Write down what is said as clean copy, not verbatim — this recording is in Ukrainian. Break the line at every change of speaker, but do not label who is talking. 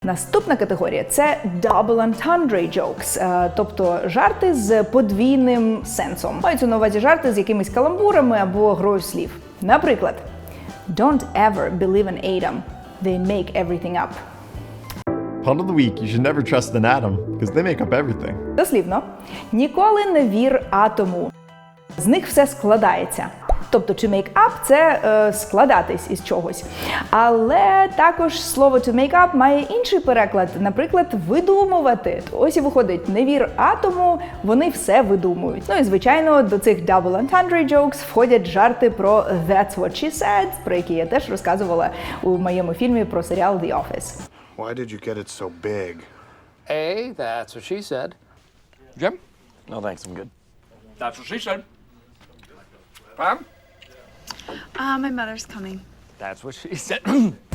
Наступна категорія – це double entendre jokes, тобто жарти з подвійним сенсом. Маються на увазі жарти з якимись каламбурами або грою слів. Наприклад, Don't ever believe an atom. They make everything up.
Pun of the week, you should never trust an atom, because they make up everything.
Дослівно. Ніколи не вір атому. З них все складається. Тобто, to make up – це складатись із чогось. Але також слово to make up має інший переклад. Наприклад, видумувати. Ось і виходить, не вір атому, вони все видумують. Ну і, звичайно, до цих double entendre jokes входять жарти про That's what she said, про які я теж розказувала у моєму фільмі про серіал The Office.
Why did you get it so big?
A, that's what she said. Jim?
No thanks, I'm good.
That's what she said. Pam?
My mother's coming.
That's what she said.